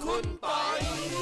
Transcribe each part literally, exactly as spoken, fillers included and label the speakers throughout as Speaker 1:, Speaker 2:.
Speaker 1: คุณปอย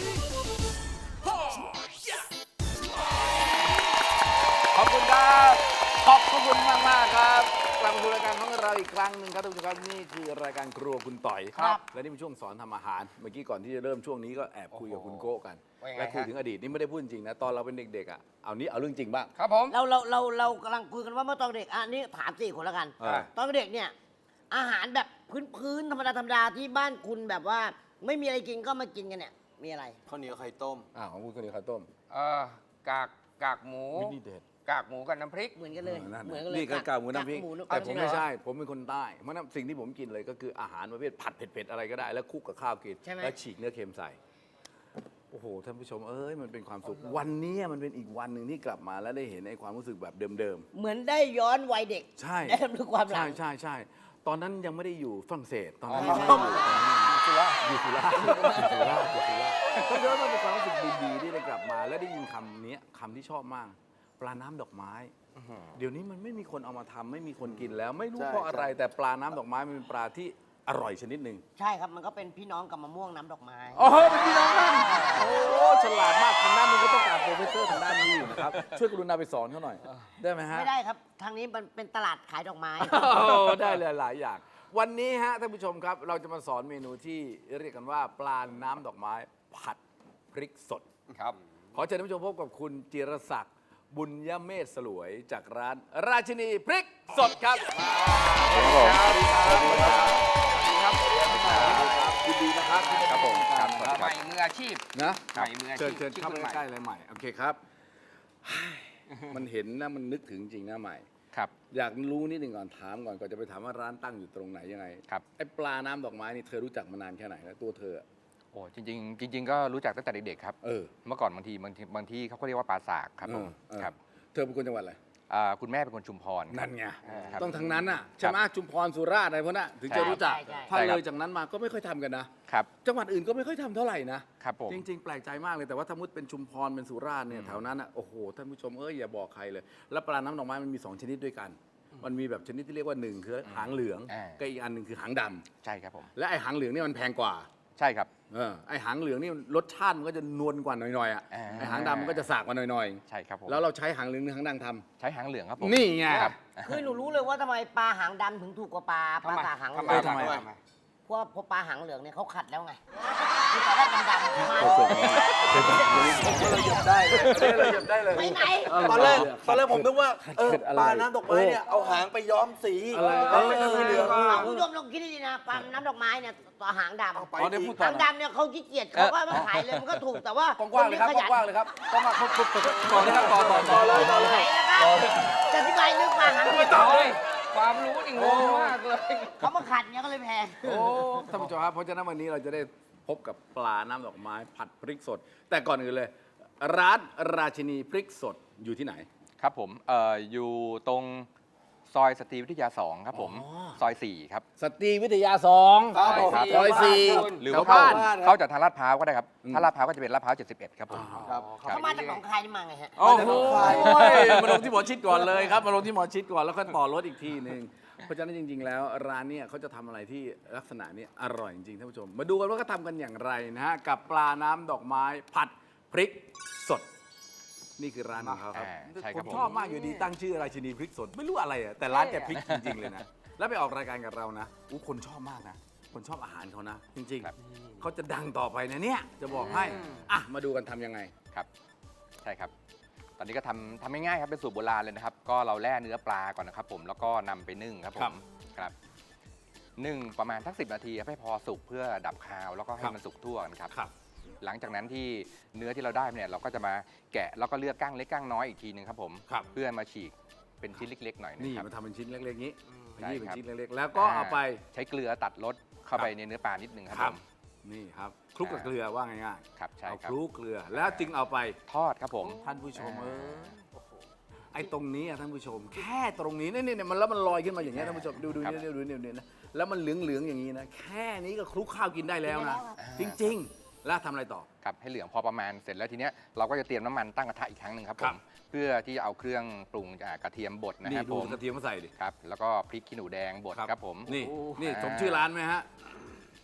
Speaker 1: ขอบคุณครับขอบคุณมากมากครับกลับมาสู่รายการของเราอีกครั้งหนึ่งครับทุกท่านครับนี่คือรายการครัวคุณต่อยครับและนี่เป็นช่วงสอนทำอาหารเมื่อกี้ก่อนที่จะเริ่มช่วงนี้ก็แอบคุยกับคุณโก้กันและคุยถึงอดีตนี่ไม่ได้พูดจริงนะตอนเราเป็นเด็กๆอ่ะเอานี้เอาเรื่องจริงบ้าง
Speaker 2: ครับผม
Speaker 3: เราเราเราเรากำลังคุยกันว่าเมื่อตอนเด็กอันนี้ถามสี่คนแล้วกัน
Speaker 1: อ่า
Speaker 3: ตอนเด็กเนี่ยอาหารแบบพื้นๆธรรมดาธรรมดาที่บ้านคุณแบบว่าไม่มีอะไรกินก็มากินกันเนี่ยมีอะไร
Speaker 4: ข้าวเหนียวไข่ต้ม
Speaker 1: อ่าของคุณคนนี้ข้าวต้ม
Speaker 2: เอ่อกากกากหมู
Speaker 1: วินี่เด็ด
Speaker 2: กากหมูกับน้ำพริก
Speaker 3: เหมือนกันเลย
Speaker 1: นั่น
Speaker 3: เหมือน
Speaker 1: น่ะ
Speaker 3: กันเลย
Speaker 1: นี่ก็กากหมูน้ำพริก
Speaker 3: หมู
Speaker 1: แต่ผมไม่
Speaker 3: เอาจริงเหรอ
Speaker 1: ใช่ผมเป็นคนใต้เพราะนั้นสิ่งที่ผมกินเลยก็คืออาหารประเภทผัดเผ็ดๆอะไรก็ได้แล้วคลุกกับข้าวกิน
Speaker 3: ใช่ไหม
Speaker 1: แล้วฉีกเนื้อเค็มใส่โอ้โหท่านผู้ชมเอ้ยมันเป็นความสุขวันนี้มันเป็นอีกวันหนึ่งที่กลับมาแล้วได้เห็นไอ้ความรู้สึกแบบเดิม
Speaker 3: เหมือนได้ย้อนวัยเด็ก
Speaker 1: ๆใช่
Speaker 3: ได้รำลึกความหลั
Speaker 1: ใช่
Speaker 3: ง
Speaker 1: ใช่ใช่ตอนนั้นยังไม่ได้อยู่ฝรั่งเศสตอนนั้น
Speaker 3: อ๋อ
Speaker 1: ยังไม่ได้อยู่ตอนนั้นอยู่สุราษฎร์อยู่สุราษฎร์อยู่สุราษฎร์ก็เยอะมันเป็นความรู้สึกดีๆที่ได้กลับมา และได้ยินคำนี้คำที่ชอบมาก ปลาน้ำดอกไม้ เดี๋ยวนี้มันไม่มีคนเอามาทำไม่มีคนกินแล้ว ไม่รู้
Speaker 4: ใช่
Speaker 1: เพราะอะไร
Speaker 4: ใช่
Speaker 1: แต่ปลาน้ำดอกไม้มันเป็นปลาที่อร่อยชนิดหนึ่ง
Speaker 3: ใช่ครับมันก็เป็นพี่น้องกับมะม่วงน้ำดอกไม้
Speaker 1: โอ้โหเป็นพี่น้องกันโอ้ฉลาดมากทางด้านนึงก็ต้องการโปรเฟสเซอร์ทางด้านนี้อยู่นะครับช่วยกรุณาไปสอนเขาหน่อยได้ไหมฮะ
Speaker 3: ไม่ได้ครับทางนี้มันเป็นตลาดขายดอกไม้
Speaker 1: โอ้ได้เลยหลายอย่าง วันนี้ฮะท่านผู้ชมครับ เราจะมาสอนเมนูที่เรียกกันว่า ปลาน้ำดอกไม้ ผัดพริกสด
Speaker 2: ครับ
Speaker 1: ขอเชิญท่านผู้ชมพบกับคุณจิรศักดิ์บุญยเมธสลวยจากร้านราชินีพริกสดครับสวัสดีครับสวัสดีครับสวัสดีครับสวัสดีครับยินดีนะครับครับผมครับ
Speaker 2: ใหม่มืออาชีพ
Speaker 1: นะ
Speaker 2: ใหม่มืออาชีพ
Speaker 1: เชิญเชิญเข้าไปใกล้ๆเลยใหม่โอเคครับ มันเห็นนะมันนึกถึงจริงนะใหม่
Speaker 2: ครับ
Speaker 1: อยากรู้นิดหนึ่งก่อนถามก่อนก่อนจะไปถามว่าร้านตั้งอยู่ตรงไหนยังไง
Speaker 2: ครับ
Speaker 1: ไอ้ปลาน้ำดอกไม้นี่เธอรู้จักมานานแค่ไหนแล้วตัวเธอ
Speaker 2: โอ้จริงๆจริง ๆ ก็รู้จักตั้งแต่เด็กๆครับ
Speaker 1: เออ
Speaker 2: เมื่อก่อนบางทีบางทีบางที่เขาก็เรียกว่าปลาสากครับผม
Speaker 1: เออ
Speaker 2: ครับ
Speaker 1: เธอเป็นคนจังหวัดอะไร
Speaker 2: อ่าคุณแม่เป็นคนชุมพรครับ
Speaker 1: นั่นไง
Speaker 2: ครับ
Speaker 1: ต้องทางนั้นน่ะใช่ไหมจุมพรสุราษฎร์อะไรพวกนั้นถึงจะรู้จัก
Speaker 3: ใช่ใช่
Speaker 1: ถ้า
Speaker 2: ใช่ครับ
Speaker 1: เลยจากนั้นมาก็ไม่ค่อยทำกันนะครับ จังหวัดอื่นก็ไม่ค่อยทำเท่าไหร่นะครับ
Speaker 2: ผม
Speaker 1: จริง ๆ แปลกใจมากเลยแต่ว่าถ้ามุดเป็นชุมพรเป็นสุราษฎร์เนี่ยแถวนั้นอ่ะโอ้โหท่านผู้ชมเอ้ยอย่าบอกใครเลย แล้วปลาน้ำดอกไม้มันมีสองชนิดด้วยกัน มันมีแบบชนิดที่เรียกว่าหนึ่งคือหางเหลือง
Speaker 2: อ่า
Speaker 1: กับอีกอันหนึ่งคือหางดำ
Speaker 2: ใช่ครับผม
Speaker 1: และไอ้หางเหลืองนี่มันแพงกว่า
Speaker 2: ใช่ครับ
Speaker 1: เออไอหางเหลืองนี่รสชาติมันก็จะนวลกว่าหน่อยๆอ่ะ
Speaker 2: อ่า
Speaker 1: ไอหางดำมันก็จะสากกว่าหน่อย
Speaker 2: ใช่ครับผม
Speaker 1: ๆแล้วเราใช้หางเหลืองหรือหางดำท
Speaker 2: ใช้หางเหลืองครับผม
Speaker 1: ำนี่ไง
Speaker 2: ครับ
Speaker 3: คือหนูรู้เลยว่าทำไมปลาหางดำถึงถูกกว่าปลาปลาสากหางเหลื
Speaker 2: ทำ
Speaker 3: อง
Speaker 2: ไมทำไม
Speaker 1: ทำไม
Speaker 2: ทำไม
Speaker 3: เพราะว่าพอปลาหางเหลืองเนี่ยเขาขัดแล้วไงคือตอนแรกดำๆมา
Speaker 1: โอ้โหผมว่าเราหยิบได้เลยเราหยิบได้เลย
Speaker 3: ไปไหน
Speaker 4: ตอนแรกตอนแรกผมนึกว่าเออ
Speaker 1: เกิดอะไร
Speaker 4: ปลาน้ำดอกไม้เนี่ยเอาหางไปย้อมสี
Speaker 1: อะไร
Speaker 4: แล้วเป็นสีเหลือง
Speaker 3: คุณผู้ชมลองคิดดีๆนะปลาน้ำดอกไม้เนี่ยต่อหางดำ
Speaker 4: เอาไป
Speaker 1: อ๋อได้พูดต่อ
Speaker 3: หางดำเนี่ยเขาขี้เกียจเขาก็มาขายเลยมันก็ถูกแต่ว่าก
Speaker 1: ว้างๆเลยครับ
Speaker 3: นที่ข
Speaker 1: กว้างๆเลยครับก็มาครบครบต่อเลยครับต่อต่อต่อเลย
Speaker 3: ขยันไหนนะครับจะอธิบายเรื่องปลาหางเหลือง
Speaker 2: โอ้ยความรู้นี่งงมากเลย
Speaker 3: เขามาขัดเนี่ยก็เลยแพง
Speaker 1: โอ้ท่านผู้ชมครับเพราะฉะนั้นวันนี้เราจะได้พบกับปลาน้ำดอกไม้ผัดพริกสด แต่ก่อนอื่นเลย ร้านราชินีพริกสดอยู่ที่ไหน
Speaker 2: ครับผมเอ่ออยู่ตรงซอยสตรีวิทยาสองครับผม
Speaker 1: อ๋อ
Speaker 2: ซอยสี่ครับ
Speaker 1: สตรีวิทยาสอง
Speaker 4: ครับผม
Speaker 1: ซอยสี่
Speaker 2: หรือ
Speaker 1: แถ
Speaker 2: ว่าว เข้า
Speaker 1: บ้าน
Speaker 2: เข้าจากทางลาดพร้าวก็ได้ครับ
Speaker 1: อืม
Speaker 2: ถ้าลาดพร้าวก็จะเป็นลาดพร้าวเจ็ดสิบเอ็ดครับผม
Speaker 4: ครับ
Speaker 3: เขามาจากหนองคายนี่มาไงฮะ
Speaker 1: โอ้โหมาลงที่หมอชิดก่อนเลยครับมาลงที่หมอชิดก่อนแล้วก็ต่อรถอีกทีหนึ่งเพราะฉะนั้นจริง ๆ แล้วร้านเนี่ยเขาจะทำอะไรที่ลักษณะนี้อร่อยจริงๆท่านผู้ชม มาดูกันว่าเขาทำกันอย่างไรนะฮะกับปลาน้ำดอกไม้ผัดพริกสด นี่คือร้านของเขาครับ
Speaker 2: อ่าใช่ค
Speaker 1: ผ
Speaker 2: รับ
Speaker 1: ม
Speaker 2: ผม
Speaker 1: ชอบมากอยู่ดีตั้งชื่อราชินีพริกสดไม่รู้อะไรอะแต่ร้านแกพริกจริงๆเลยนะแล้วไปออกรายการกับเรานะอู้คนชอบมากนะคนชอบอาหารเขานะ จริง
Speaker 2: ครับ
Speaker 1: ๆเขาจะดังต่อไปนะเนี่ยจะบอกให้อ่ะมาดูกันทำยังไง
Speaker 2: ครับใช่ครับ ตอนนี้ก็ทำทำง่ายๆครับเป็นสูตรโบราณเลยนะครับ ก็เราแล่เนื้อปลาก่อนนะครับผมแล้วก็นำไปนึ่งครับผ
Speaker 1: ครั
Speaker 2: ม
Speaker 1: บ
Speaker 2: ครับนึ่งประมาณสักสินาทีครับให้พอสุกเพื่อดับคาวแล้วก็ให้
Speaker 1: ครับ
Speaker 2: มันสุกทั่วกันครับ
Speaker 1: ครับ
Speaker 2: หลังจากนั้นที่เนื้อที่เราได้เนี่ยเราก็จะมาแกะแล้วก็เลือกก้างเล็กก้างน้อยอีกทีหนึงครับผม
Speaker 1: ครับ
Speaker 2: เพื่อมาฉีกเป็นชิ้นเล็กๆหน่อยนะ
Speaker 1: นี่
Speaker 2: ครับ
Speaker 1: มาทำเป็นชิ้นเล็กๆนี้
Speaker 2: ใช่
Speaker 1: นี่เป็น
Speaker 2: ครับ
Speaker 1: ชิ้นเล็กๆ แล้วก็เอาไป
Speaker 2: ใช้เกลือตัดรสเข้าไป
Speaker 1: ครับ
Speaker 2: ในเนื้อปลานิดนึงครับ
Speaker 1: ค
Speaker 2: ผ
Speaker 1: รับ
Speaker 2: ม
Speaker 1: นี่ครับคลุกกับเกลือว่าง่าย
Speaker 2: ครับ
Speaker 1: ๆ
Speaker 2: ใช่
Speaker 1: เอา
Speaker 2: ครั
Speaker 1: ค
Speaker 2: บ
Speaker 1: ลุกเกลือแล้วจึงเอาไป
Speaker 2: ทอดครับผม
Speaker 1: ท่านผู้ชมเออไอ้ตรงนี้อะท่านผู้ชม แค่ตรงนี้นี่นี่มันแล้วมันลอยขึ้นมาอย่างเงี้ยท่านผู้ชมดูดูนี่ดูดูนี่ดูนี่นะแล้วมันเหลืองๆอย่างนี้นะแค่นี้ก็คลุกข้าวกินได้แล้วนะจริงๆ แล้วทำอะไรต่อ
Speaker 2: ครับให้เหลืองพอประมาณเสร็จแล้วทีเนี้ยเราก็จะเตรียมน้ำมันตั้งกระทะอีกครั้งหนึ่งครับผ
Speaker 1: ครั
Speaker 2: ม
Speaker 1: บ
Speaker 2: เพื่อที่จะเอาเครื่องปรุงอ่ากระเทียมบดนะ
Speaker 1: นี่
Speaker 2: ครับ
Speaker 1: ดู
Speaker 2: ผม
Speaker 1: กระเทียมมาใส่ดิ
Speaker 2: ครับแล้วก็พริกขี้หนูแดงบดครับผม
Speaker 1: นี่
Speaker 2: อ่า
Speaker 1: นี่สมชื่อร้านไหมฮะ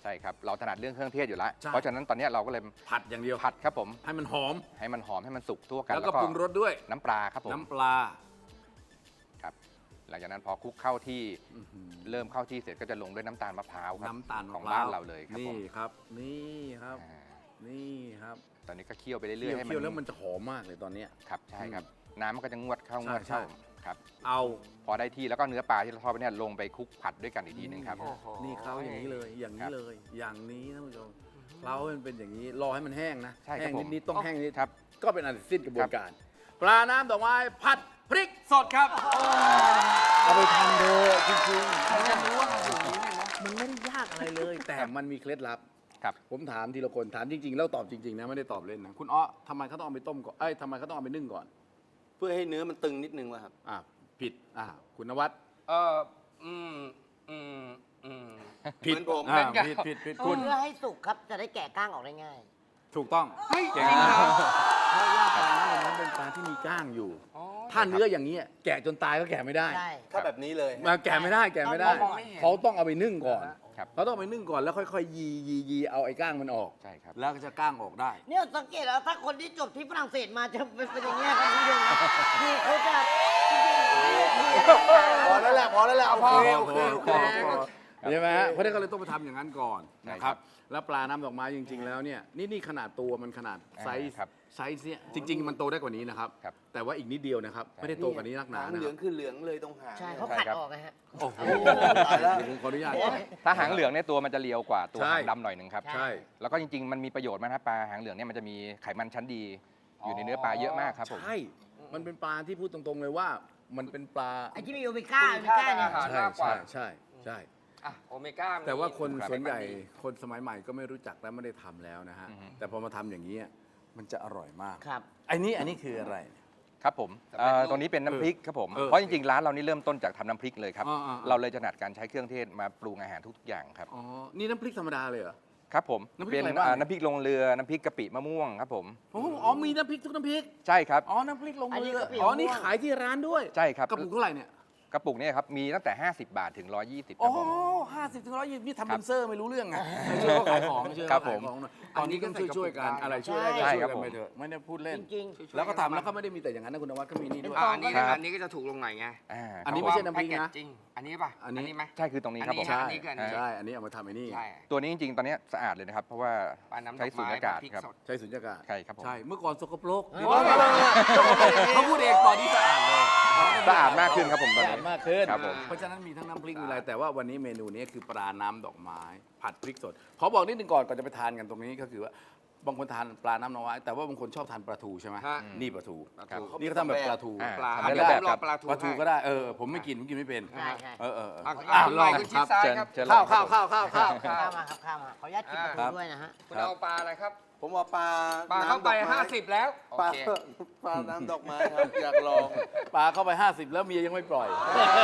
Speaker 2: ใช่ครับเราถนัดเรื่องเครื่องเทศอยู่แล้ว
Speaker 1: ใช่
Speaker 2: เพราะฉะนั้นตอนเนี้ยเราก็เลย
Speaker 1: ผัดอย่างเดียว
Speaker 2: ผัดครับผม
Speaker 1: ให้มันหอม
Speaker 2: ให้มันหอมให้มันสุกทั่วกัน
Speaker 1: แล้วก็ปรุงรสด้วย
Speaker 2: น้ำปลาครับผม
Speaker 1: น้ำปลา
Speaker 2: ครับหลังจากนั้นพอคลุกเข้าที่
Speaker 1: อื้อหือ
Speaker 2: เริ่มเข้าที่เสร็จก็จะลงด้วยน้ำตาลมะพร้าวครับ
Speaker 1: น้ำตาลมะ
Speaker 2: ของ
Speaker 1: พร้
Speaker 2: บ้านเราเลยครับผ
Speaker 1: นี่
Speaker 2: ม
Speaker 1: ครับ นี่ครับ
Speaker 2: อ่า
Speaker 1: นี่ครับ
Speaker 2: ตอนนี้ก็เคี่ยวไปเรื่
Speaker 1: เคี่
Speaker 2: อย
Speaker 1: ยว
Speaker 2: ๆให้
Speaker 1: เคี่ยวแล้วมันจะหอมมากเลยตอนเนี้ย
Speaker 2: ครับใช่ครับน้ำมันก็จะงวดเข้างวด
Speaker 1: ใช่
Speaker 2: เข้าครับ
Speaker 1: เอา
Speaker 2: พอได้ที่แล้วก็เนื้อปลาที่เราทอดไปเนี่ยลงไปคลุกผัดด้วยกันอีกทีหนึงครับ
Speaker 1: โอ้โหนี่เขาอย่างนี้เลย อย่าง
Speaker 2: ครั
Speaker 1: นี้
Speaker 2: บ
Speaker 1: เลย อย่างนี้ท่านผู้ชมเราให้มันเป็นอย่างนี้ รอให้มันแห้งนะ
Speaker 2: ใช่ครั
Speaker 1: แห้
Speaker 2: บ
Speaker 1: ง
Speaker 2: ผม
Speaker 1: นิดๆต้องแห้งนิด
Speaker 2: ครับ
Speaker 1: ก็เป็นอันสิ้นกระบวนการ ปลาน้ำดอกไม้ผัดพริกสดครับ เอาไปทำเถอะจริงๆมันจะรู้ว่ามันไม่ได้ยากอะไรเลย แต่มันมีเคล็ดลับ
Speaker 2: ครับ
Speaker 1: ผมถามทีละคนถามจริงๆ แล้วตอบจริงๆนะไม่ได้ตอบเล่นนะคุณอ้อทำไมเขาต้องเอาไปต้มก่อนเอ้ยทำไมเขาต้องเอาไปนึ่งก่อน
Speaker 4: เพื่อให้เนื้อมันตึงนิดนึงว่ะครับ
Speaker 1: อ่ะผิดอ่ะคุณนวัด
Speaker 5: เอออืมอืมอืม
Speaker 1: ผิด
Speaker 4: เหมือนผม
Speaker 1: อ่ะ
Speaker 5: เหมือนกัน
Speaker 1: ผิดผิดผิดคุณ
Speaker 3: เพื่อให้สุกครับจะได้แกะก้างออกได้ง่าย
Speaker 1: ถูกต้อง
Speaker 5: เฮ้ย
Speaker 1: เก่งมากเพราะว่าปลาน้ำมันเป็นปลาที่มีก้างอยู่
Speaker 5: อ๋อ
Speaker 1: ถ้าเนื้ออย่างนี้ยแกะจนตายก็แกะไม่ได้
Speaker 3: ใช่
Speaker 4: ถ้าแบบนี้เลย
Speaker 1: มาแกะไม่ได้แกะไม่ได้
Speaker 3: ต้องมองไม่เห็น
Speaker 1: เขาต้องเอาไปนึ่งก่อน
Speaker 2: ครับ
Speaker 1: เขาต้องเอาไปนึ่งก่อนแล้วค่อยๆยียียีเอาไอ้ก้างมันออก
Speaker 2: ใช่ครับ
Speaker 1: แล้วก็จะก้างออกได้
Speaker 3: เนี่ยสังเกตแล้วถ้าคนที่จบที่ฝรั่งเศสมาจะเป็นเป็นอย่างเงี้ยครับคุณผู้ชมคือเขาจะจริงๆ
Speaker 4: พอแล้วแหละพอแล้วแหละโอเคโอเคโอเค
Speaker 1: ใช่ไหมฮะเพราะฉะนั้นก็เลยต้องไปทำอย่างนั้นก่อน
Speaker 2: ใช่
Speaker 1: นะค
Speaker 2: ครั
Speaker 1: รับ
Speaker 2: บ
Speaker 1: แล้วปลาน้ำดอกไม้จริง ๆ แล้วเนี่ยนี่นี่ขนาดตัวมันขนาดไซส์
Speaker 2: ครับ
Speaker 1: ไซส์เนี่ยจริง ๆ มันโตได้กว่านี้นะครับ
Speaker 2: ครับ
Speaker 1: แต่ว่าอีกนิดเดียวนะครับ ไม่ได้โตกว่านี้นักหนา
Speaker 4: หาง
Speaker 1: นะ
Speaker 4: เห
Speaker 1: ค
Speaker 4: ลื
Speaker 1: รั
Speaker 4: อบ งคือเหลืองเลยตรงหาง
Speaker 3: ใช่
Speaker 4: นี่ย
Speaker 3: เขาขัดออกนะฮะ
Speaker 1: โอ้โห
Speaker 4: ตายแล้ว
Speaker 1: เดี๋ยวผมขออนุญาต
Speaker 2: ถ้าหางเหลืองเนี่ยตัวมันจะเรียวกว่าตัว
Speaker 1: ใช่
Speaker 2: หางดำหน่อยหนึ่งครับ
Speaker 1: ใช่
Speaker 2: แล้วก็จริงๆ มันมีประโยชน์มากนะปลาหางเหลืองเนี่ยมันจะมีไขมันชั้นดี อยู่ในเนื้อปลาเยอะมากครับผม
Speaker 1: ใช่ มันเป็นปลาที่พูดตรงๆเลยว่า มันเป็นปลา
Speaker 3: ไอ้ที่มีโอเมก้าโอเมก้าเนี่ย
Speaker 5: อาหาร
Speaker 1: ใช่
Speaker 5: มากกว่า
Speaker 1: ใช่ใช่ใช่
Speaker 5: อ่ะโอเมก้ามี
Speaker 1: แต่ว่าคน
Speaker 5: ครับ
Speaker 1: ส่วนใหญ่คนสมัยใหม่ก็ไม่รู้จักและไม่ได้ทำแล้วนะฮะ
Speaker 2: อือฮึ
Speaker 1: แต่พอมาทำอย่างนี้ยมันจะอร่อยมาก
Speaker 3: ครับ
Speaker 1: ไอ้นี่อันนี้คืออะไร
Speaker 2: ครับผมเอ่อตรงนี้เป็นน้ำพริกครับผม
Speaker 1: เออ
Speaker 2: เพราะจริงๆ ร้านเรานี่เริ่มต้นจากทำน้ำพริกเลยครับ
Speaker 1: อ่าอ่าอ่า
Speaker 2: เราเลยถนัดการใช้เครื่องเทศมาปรุงอาหารทุกๆอย่างครับ
Speaker 1: อ๋อ นี่น้ำพริกธรรมดาเลยเหรอ
Speaker 2: ครับผม
Speaker 1: น้ำพริก
Speaker 2: เป็น
Speaker 1: อะไรบ้าง
Speaker 2: อ่าน้ำพริกลงเรือ น้ำพริกกะปิมะม่วงครับผม
Speaker 1: อ๋ออ๋อมีน้ำพริกทุกน้ำพริก
Speaker 2: ใช่ครับ
Speaker 1: อ๋อ น้ำพริกลง
Speaker 3: อันนี้
Speaker 1: เรือก
Speaker 3: ะปิ
Speaker 1: อ๋อ
Speaker 3: มะม่วง
Speaker 1: นี่ขายที่ร้านด้วย
Speaker 2: ใช่ครับ
Speaker 1: กระปุกเท่าไหร่เนี่ย
Speaker 2: กระปุกเนี่ยครับมีตั้งแต่ ห้าสิบบาทถึง หนึ่งร้อยยี่สิบค
Speaker 1: อ๋
Speaker 2: รั
Speaker 1: อบ
Speaker 2: ผม
Speaker 1: ห้าสิบถึงร้อยยี่สิบนี่ทำ
Speaker 2: ครั
Speaker 1: เป็
Speaker 2: บ
Speaker 1: นเซอร์ไม่รู้เรื่องไงไม่ช่วยเขาขายของไม่ช่วย
Speaker 2: ครั
Speaker 1: เขา
Speaker 2: บ
Speaker 1: ขาย
Speaker 2: ผม
Speaker 1: ของหน่อยตอนนี้ก็ช่วยช่วยๆกัน อะไรช่วยได้ก็
Speaker 2: ใช่
Speaker 1: ช่วย
Speaker 2: ครับ
Speaker 1: กัน
Speaker 2: ผม
Speaker 1: ไปเถอะ ไม่ได้พูดเล่น
Speaker 3: จริง
Speaker 1: แล้วก็ทำแล้วก็ไม่ได้มีแต่อย่างนั้นนะคุณนวัดก็มีนี่ด้วย
Speaker 5: อ่ะอันนี้
Speaker 2: ครับ
Speaker 5: อันนี้ก็จะถูกลงหน่อยไง
Speaker 2: อ่า
Speaker 1: อันนี้
Speaker 2: ค
Speaker 1: ไม่
Speaker 2: รับ
Speaker 1: ใช่น้ำพริกนะ
Speaker 5: แพ็เกจจริงอันนี้ป่ะ
Speaker 1: อันนี้
Speaker 5: ไหม
Speaker 2: ใช่คือตรงนี้ครับผม
Speaker 5: อันนี้
Speaker 1: ใช่
Speaker 5: อันนี้คืออันนี้
Speaker 1: ใช่ อันนี้เอามาทำไอ้นี่
Speaker 5: ใช่
Speaker 2: ตัวนี้จริงๆ ตอนนี้สะอาดเลยนะครับ เพราะว่า
Speaker 5: ปลาน้ำด
Speaker 2: ใช้
Speaker 5: อก
Speaker 2: สูญ
Speaker 5: ไม้
Speaker 2: ญากาศ
Speaker 5: พริก
Speaker 2: ครับ
Speaker 5: สด
Speaker 1: ใช้สุญญากาศ
Speaker 2: ใช่ครับผม
Speaker 1: ใช่ เมื่อก่อนสกปรก
Speaker 3: เออ
Speaker 1: เดี๋ยวนี้เขาพูดเองตอนนี้สะอาดเลย
Speaker 2: สะอาดมากขึ้นครับผมตอน
Speaker 1: สะอาด
Speaker 2: นี้
Speaker 1: มากขึ้น
Speaker 2: ครับผม
Speaker 1: เพราะฉะนั้นมีทั้งน้ำพริกมีอะไร แต่ว่าวันนี้เมนูนี้คือปลาน้ำดอกไม้ ผัดพริกสด ขอบอกนิดนึงก่อนก่อนจะไปทานกันตรงนี้ก็คือว่าบางคนทานปลาน้ำดอกไม้แต่ว่าบางคนชอบทานปลาทูใช่ไหม
Speaker 5: ฮะ
Speaker 1: นี่ปลาทู
Speaker 5: ปลาทู
Speaker 1: นี่ก็ทำแบบปลาทู
Speaker 2: อ่า
Speaker 5: ปลา
Speaker 2: ทำได้
Speaker 5: เดี๋ยว
Speaker 2: แบ
Speaker 5: ผ
Speaker 2: บ
Speaker 5: มล
Speaker 2: ค
Speaker 5: อ
Speaker 2: รั
Speaker 5: ง
Speaker 2: บ
Speaker 5: ปลาทู
Speaker 1: ปลาทู
Speaker 5: ให้
Speaker 1: ก็ได้เออผมไม่กินผมกินไม่เป็น
Speaker 3: ใช่ใช่
Speaker 1: เออเออเออ
Speaker 5: อ่ะ
Speaker 1: อ่ะ
Speaker 5: คุณ
Speaker 1: ลอง
Speaker 5: คุณ
Speaker 1: ค
Speaker 5: ชิด
Speaker 1: รับ
Speaker 5: ซ้าย
Speaker 2: เชิญ
Speaker 5: ครับ
Speaker 2: เชิญ
Speaker 1: ข้าวข้าวข้าวข้าวข้าว
Speaker 5: ครั
Speaker 3: ข้า
Speaker 5: บ
Speaker 3: วมาครับข้าวมาขออนุญาตกินปลา
Speaker 1: ครั
Speaker 3: ทู
Speaker 1: บ
Speaker 3: ด้วยนะฮะ
Speaker 5: คุณเอาปลาอะไรครับ
Speaker 4: ผมเอาปลา
Speaker 5: ปลาเข้าไป
Speaker 4: น้ำดอกม้
Speaker 5: ห้าสิบแล้วโอ
Speaker 4: ปลา
Speaker 5: เค
Speaker 4: ปลาน้ำดอกไม้ครับอยากลอง
Speaker 1: ปลาเข้าไปห้าสิบแล้วเมียยังไม่ปล่อย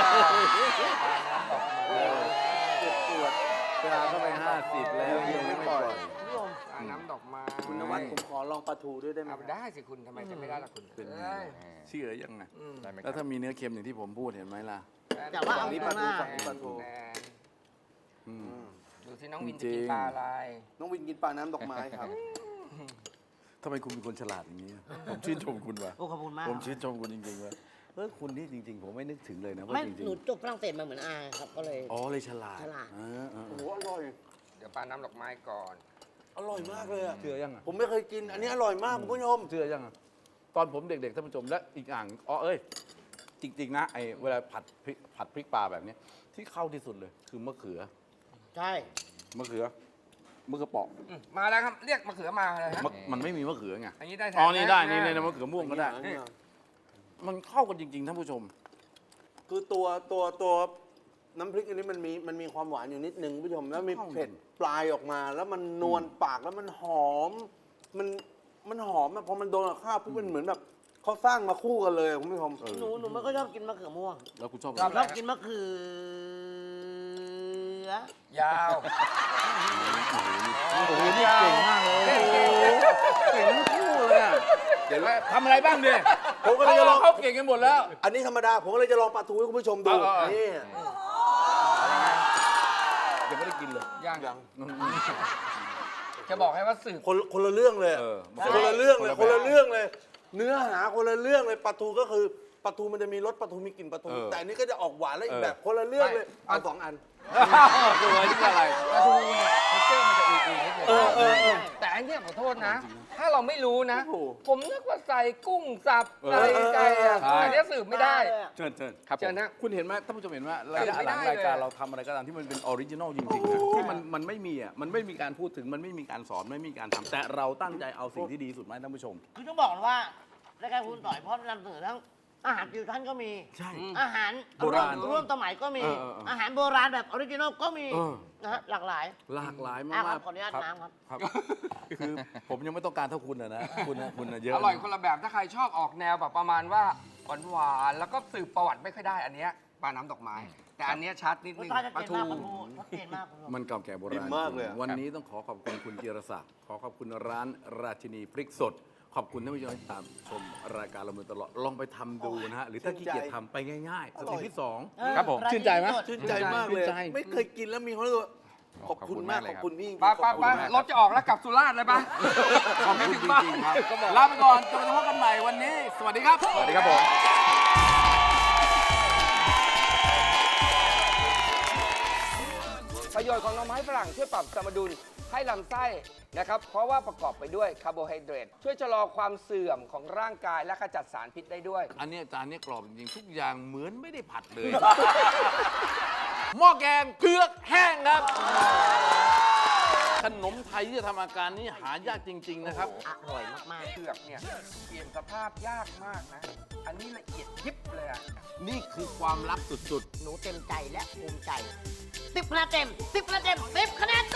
Speaker 1: เจ็บปวดปลาเข้าไปห้าสิบแล้วเมียยังไม่ปล่อย
Speaker 3: คุณผู้ชม
Speaker 5: ปลาน้ำดอกไม้
Speaker 4: คุณนวัดผมขอลองปลาทูด้วยได้ไหม
Speaker 5: เอาได้สิคุณทำไมจะไม่ได้ล่ะคุณ
Speaker 1: เป็นไง
Speaker 5: เอ้ย
Speaker 1: เชื่อยังไง
Speaker 5: อืม
Speaker 2: ได้ไหมค
Speaker 1: แล้
Speaker 2: รั
Speaker 1: ว
Speaker 2: บ
Speaker 1: ถ้ามีเนื้อเค็มอย่างที่ผมพูดเห็นไหมล่ะ
Speaker 3: แต่ว่าเอา
Speaker 4: ฝั่งนี้
Speaker 3: ต
Speaker 4: ป
Speaker 3: ร
Speaker 4: ลาง
Speaker 3: ห
Speaker 4: ทู
Speaker 3: น้า
Speaker 4: ฝั่งนี้ปลาทู
Speaker 5: แนน
Speaker 1: อืม
Speaker 5: ดูสิน้องวิน
Speaker 1: จริ
Speaker 5: จะ
Speaker 1: ง
Speaker 5: กินปลาอะไร
Speaker 4: น้องวินกินปลาน้ำดอกไม้ครับ
Speaker 1: ทำไมคุณเป็นคนฉลาดอย่างนี้ ผมชื่นชมคุณว่ะ
Speaker 3: โอ้ขอบคุณมาก
Speaker 1: ผมชื่นชมคุณจริงๆว่าเออคุณนี่จริง ๆ ผมไม่นึกถึงเลยนะว่า
Speaker 3: ไม่
Speaker 1: จริง
Speaker 3: หนูจบฝรั่งเศสมาเหมือนอาครับก็เลย
Speaker 1: ๆอ๋อเลยฉลาด
Speaker 3: ฉลาด
Speaker 1: เออเออ
Speaker 4: โอ้
Speaker 1: เอ
Speaker 4: โห
Speaker 1: อ
Speaker 4: อร่อย
Speaker 5: เดี๋ยวปลาน้ำดอกไม้ก่อน
Speaker 4: อร่อยมากเลยอะ
Speaker 1: เชื่อยังอ่ะ
Speaker 4: ผมไม่เคยกิน อันนี้อร่อยมากคุณผู้ชม
Speaker 1: เชื่อยังอ่ะตอนผมเด็กๆท่านผู้ชมและอีกอย่างอ๋อเอ้ยจริง ๆ นะไอ้เวลาผัดพริกผัดพริกปลาแบบเนี้ยที่เข้าที่สุดเลยคือมะเขือ
Speaker 3: ใช่
Speaker 1: มะเขือมะเขือเปราะ
Speaker 5: อืมมาแล้วครับ เรียกมะเขือมาเลยฮะ
Speaker 1: มะมันไม่มีมะเขือไง
Speaker 5: อันนี้ได้แท
Speaker 1: อ๋อนี่ได้
Speaker 5: ะ
Speaker 1: นี่ในมะเขือม่วงก็ได้
Speaker 4: อันนี้อะ
Speaker 1: มันเข้ากันจริง ๆ ท่านผู้ชม
Speaker 4: คือตัวตัวตัวน้ำพริกอันนี้มันมีมันมีความหวานอยู่นิดนึงคุณผู้ชม แล้วมีเผ็ดปลายออกมา แล้วมันนวลปากแล้วมันหอม มันมันหอมอะพอมันโดนกับข้าวปุ๊บมันเหมือนแบบเขาสร้างมาคู่กันเลยอะคุณผู้ชม
Speaker 1: เออ
Speaker 3: หนูหนูไม่ก็ชอบกินมะเขือม่วง
Speaker 1: แล้วคุณชอบ
Speaker 5: ชอบ
Speaker 1: อะไร
Speaker 3: ชอบกินมะเขือ
Speaker 5: ยาว
Speaker 1: โอ้โหนี่เก่งมากเลยโอ้โหเก่งทั้งคู่เลยอะเดี๋ยวว่าทำอะไรบ้างเนี่ย
Speaker 4: ผมก็เลยจะลอง
Speaker 1: เขาเก่งกันหมดแล้ว
Speaker 4: อันนี้ธรรมดา ผมก็เลยจะลองปลาทูให้คุณผู้ชมดู
Speaker 1: เออเออ
Speaker 4: นี่
Speaker 1: ยังไม่ได้กินเลย
Speaker 5: ยัง
Speaker 4: ยัง
Speaker 5: จะบอกให้ว่าสืบ
Speaker 4: คนคนละเรื่องเลย
Speaker 1: เออ
Speaker 4: คนละเรื่องเลย
Speaker 1: คน
Speaker 4: คน
Speaker 1: ละ
Speaker 4: ละ
Speaker 1: แบบ
Speaker 4: เรื่องเลย เนื้อหาคนละเรื่องเลยปลาทูก็คือปลาทูมันจะมีรสปลาทูมีกลิ่นปลาทู
Speaker 1: เออ
Speaker 4: แต่อันนี้ก็จะออกหวานแล้วอีก
Speaker 1: เออ
Speaker 4: แบบคนละเรื่องเลย
Speaker 5: ไม่
Speaker 4: เอาสองอัน
Speaker 1: ตัวนี่อะไร
Speaker 5: ปลาทูเนี่ยเทคเจอร์มันจะอุ่นๆนิดนึง
Speaker 4: เออเออเออ
Speaker 5: แต่อันเนี้ยขอโทษนะ ถ้าเราไม่รู้นะ
Speaker 4: โอ้โห
Speaker 5: ผมนึกว่าใส่กุ้งสับ
Speaker 1: เออ
Speaker 5: อะไรใจอ่ะ
Speaker 1: ใช่
Speaker 5: อันเนี้ยสืบไม่ได้
Speaker 1: เชิญเชิญ
Speaker 2: ครับผ
Speaker 5: เจอ
Speaker 2: ม
Speaker 5: นะ
Speaker 1: คุณเห็นไหมท่านผู้ชมเห็นไหมระยะ
Speaker 5: ไม่
Speaker 1: หลั
Speaker 5: ได้
Speaker 1: ง
Speaker 5: เลย
Speaker 1: รายการเราทำอะไรก็ตามที่มันเป็นออริจินอลจริงๆนะที่มันมันไม่มีอ่ะมันไม่มีการพูดถึงมันไม่มีการสอนไม่มีการทำแต่เราตั้งใจเอาสิ่งที่ดีที่สุดมาให้ท่านผู้ชม
Speaker 3: คือต้องบอกเลยว่ารายการคุณต่อยเพราะนำเสนอทั้งอาหารฟิวชั่นก็มี
Speaker 1: ใช่
Speaker 3: อาหาร
Speaker 1: โบราณ
Speaker 3: ร่วมสมัยก็มี
Speaker 1: เออเออเอออ
Speaker 3: อาหารโบราณแบบออริจินอลก็มี
Speaker 1: เออ
Speaker 3: นะฮะหลากหลาย
Speaker 1: หลากหลายมา
Speaker 3: อ่ะ
Speaker 1: ก
Speaker 3: ครับ
Speaker 1: ๆ
Speaker 3: ขออนุญาตน้ำครับ
Speaker 1: ครับ คือผมยังไม่ต้องการเท่าคุณนะนะคุณนะคุณนะเยอะ
Speaker 5: อร่อยคนละแบบถ้าใครชอบออกแนวแบบประมาณว่าหวานๆแล้วก็สืบประวัติไม่ค่อยได้อันเนี้ยปลาน้ำดอกไม้ แต่อันเนี้ยชัดนิด
Speaker 3: รส
Speaker 5: นึง
Speaker 3: ชาติชัด
Speaker 5: ปลา
Speaker 3: เจน
Speaker 5: ทู
Speaker 3: มากปลาทูชัดเจนมากคุณผู้ชม
Speaker 1: มันเก่าแก่โบราณ
Speaker 4: ดีมากเลยอะ
Speaker 1: วันนี้ต้องขอขอบคุณคุณจิรศักดิ์ขอขอบคุณร้านราชินีพริกสด ขอบคุณท่านผู้ชมที่ตามชมรายการเรามาตลอดลองไปทำดูนะฮะหรือถ้าขี้เกียจทำไปง่ายๆสเต็ปที่สอง
Speaker 2: ครับผม
Speaker 1: ชื่นใจไหม
Speaker 4: ชื่นใจมากเลย
Speaker 1: ชื่นใจ
Speaker 4: ไม่เคยกินแล้วมีความรู้สึกว่าขอบคุณมาก
Speaker 2: ขอบคุณมากเลย
Speaker 4: ข
Speaker 2: ครั
Speaker 4: อบบ คุณพี่
Speaker 5: ปลาปลาปลารถจะออกแล้วกลับสุราษฎร์เลยปะ
Speaker 1: ขอบคุณจริงๆครับลาไปก่อนจนกระทั่งพบกันใหม่วันนี้ สวัสดีครับ
Speaker 2: สวัสดีครับผม
Speaker 5: ประโยชน์ของหน่อไม้ฝรั่งช่วยปรับสมดุลให้ลำไส้นะครับ เพราะว่าประกอบไปด้วยคาร์โบไฮเดรตช่วยชะลอความเสื่อมของร่างกายและขจัดสารพิษได้ด้วย
Speaker 1: อันเนี้ยจานเนี้ยกรอบจริงๆทุกอย่างเหมือนไม่ได้ผัดเลย หม้อแกงเผือกแห้งครับ ขนมไทยที่จะทำอาการนี้หายากจริง ๆ นะครับ
Speaker 3: อร่อยมาก
Speaker 5: เผือกเนี่ยเปลี่ยนสภาพยากมากนะ อันนี้ละเอียดยิบเลยอะ
Speaker 1: นี่คือความลับสุด
Speaker 3: ๆ หนูเต็มใจและภูมิใจสิบคะแนนเต็มสิบคะแนนเต็มสิบคะแนน